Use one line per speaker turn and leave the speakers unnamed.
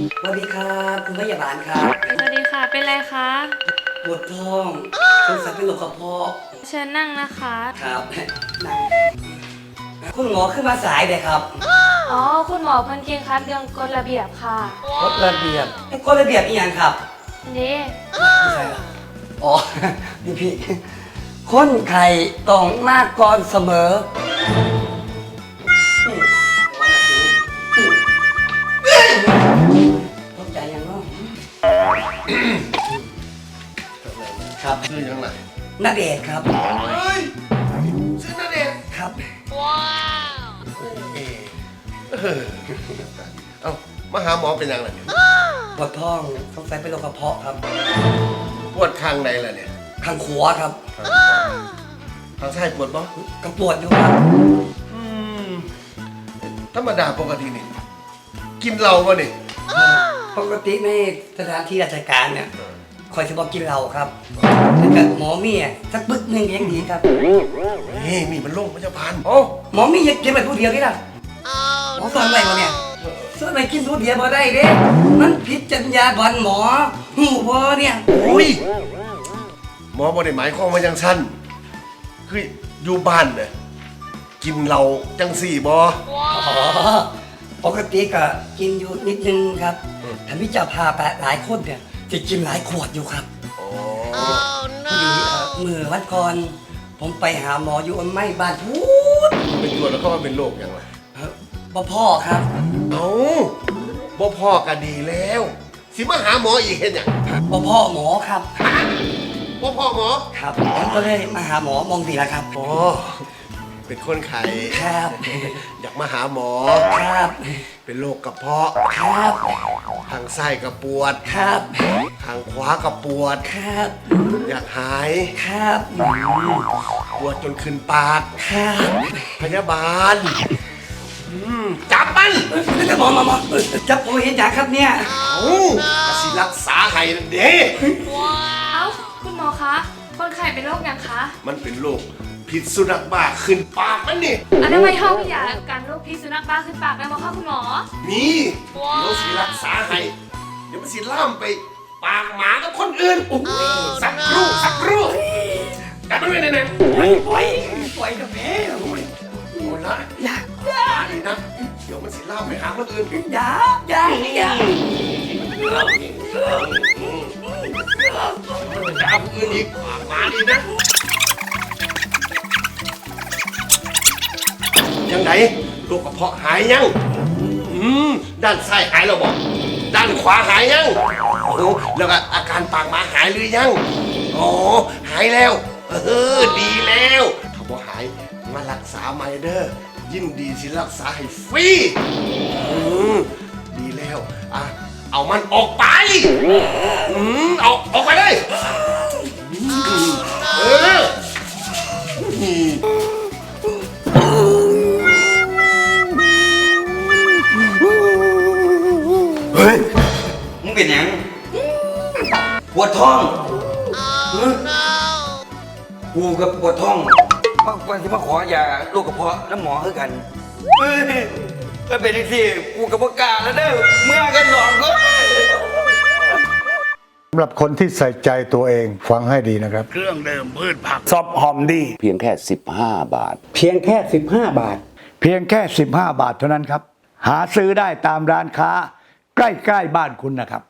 สวัสดีครับคุณพยาบาลครับ
สวัสดีค่ะ เป็นไรคะ
ปวดท้องสงสัยเป็นโรคกระเพาะ
เชิญนั่งนะคะ
ครับนั่งคุณหมอขึ้นมาสายเลยครับ
อ๋อ คุณหมอเพิ่นเก่งคัดเรื่องกฎระเบียบค่ะ
กฎระเบียบกฎระเบียบอีกอย่างครับ
นี่
ไม่ใช่หรออ๋อพี่คนไข้ต้องมาก่อนเสมอต้องใจยังเนาะครับ
ชื่อยังไง
นาเดชน์ครับ
เฮ้ยชื่อนาเดชน์
ครับ
เอ้ามาหาหมอเป็นยังไงเนี่ย
ปวดท้องสงสัยเป็นโรคกระเพาะครับ
ปวดข้างใดล่ะเนี่ย
ข้างขวาครับ
ข้างซ้ายปวดปะ
ก็ปวดอยู่ครับ
อืมธรรมดาปกตินี่กินเหล้าปะนี่
ปกติในสถานที่ราชการเนี่ยคอยจะบอกกินเหล้าครับแต่ก็หมอมีอ่ะสักปึ๊กหนึงยังดีครับ
นี่มีมันโรคมันจะพันโอ้
หมอมีอยากกินแบบผู้เดียวนี่ล่ะหมอสอนอะไรวะเนี่ยสอนอะไรกินผู้เดียวบ่ได้เด้มันผิดจรรยาบรรณหมอหูบ่เนี่ย
โอ้ยหมอบ่ได้หมายความว่าจังสั้นคืออยู่บ้านเนี่ยกินเหล้าจังสี่บ่
อ๋อปกติก็กินอยู่นิดนึงครับถ้าพี่จะพาไปหลายคนเนี่ยจะกินหลายขวดอยู่ครับ
อ๋อ
พอดีมือวันก่อนผมไปหาหมออยู่อันไม่บ้านพูด
เป็นตัวจแล้วก็ว่าเป็นโรคยังไง
พ่อครับ
เอ้าบ่พ่อก็ดีแล้ว สิมาหาหมออีกเห็นหยัง
พ่อหมอครับ
บ่พ่อหมอ
ครับผมก็เลยมาหาหมอมองดีแล้วครับ
อ๋อเป็นคนไข้
ครับ
อยากมาหาหมอ
ครับ
เป็นโรคกระเพาะ
ครับ
ทางซ้ายก็ปวด
ครับ
ทางขวาก็ปวด
ครับ
อยากหาย
ครับ
ปวดจนขึ้นปาก
ครับ
พยาบาลจับมัน
หมอจับผมเห็นอย่างครับเนี่ย
เอ้ากสิรักษาให้นั่นเด้
เอ้า คุณหมอคะ คนไข้เป็นโรคหยังคะ
มันเป็นโรคพิษสุนัขบ้าขึ้นปากมันนี่
อันนั้นไม่เท่ากับยาการโรคพิษสุนัขบ้าขึ้นปากได้ไหมคะคุณหมอ
มีเดี๋ยวสิรักษาให้เดี๋ยวมันสิล่ามไปปากหมากับคนอื่นสักครู่จับมันไว้แน่ๆ
ปล่อยกับแม่
โอ้ละ
อย่า
ดีนะ เดี๋ยวมันสิล่ามไปหาคนอื่น
อย่า
จะเอาคนอื่นอีกมาดีนะ ยังไงโรคกระเพาะหายยัง ด้านซ้ายหายแล้วบอกด้านขวาหายยังโอ้โหแล้วก็อาการปากหมาหายหรือยังอ๋อหายแล้ว ดีแล้วถ้าบ่หายมารักษาใหม่เด้อยินดีสิรักษาให้ฟรีดีแล้วอ่ะเอามันออกไปออกไปเลยเออ
เฮ้ยมึงเป็นหยังปวดท้องกูกับปวดท้องวันที่มาขอยาโรคกระเพาะน้ำหมอคือกันเฮ้ยก็เป็นที่กูกับพวกกาแล้วเด้อเมื่อกันหนอนก็
สำหรับคนที่ใส่ใจตัวเองฟังให้ดีนะครับ
เครื่องดื่มพืชผัก
ซอฟหอมดี
เพียงแค่ 15 บาท
เพียงแค่ 15 บาท
เพียงแค่ 15 บาทเท่านั้นครับ หาซื้อได้ตามร้านค้า ใกล้ๆบ้านคุณนะครับ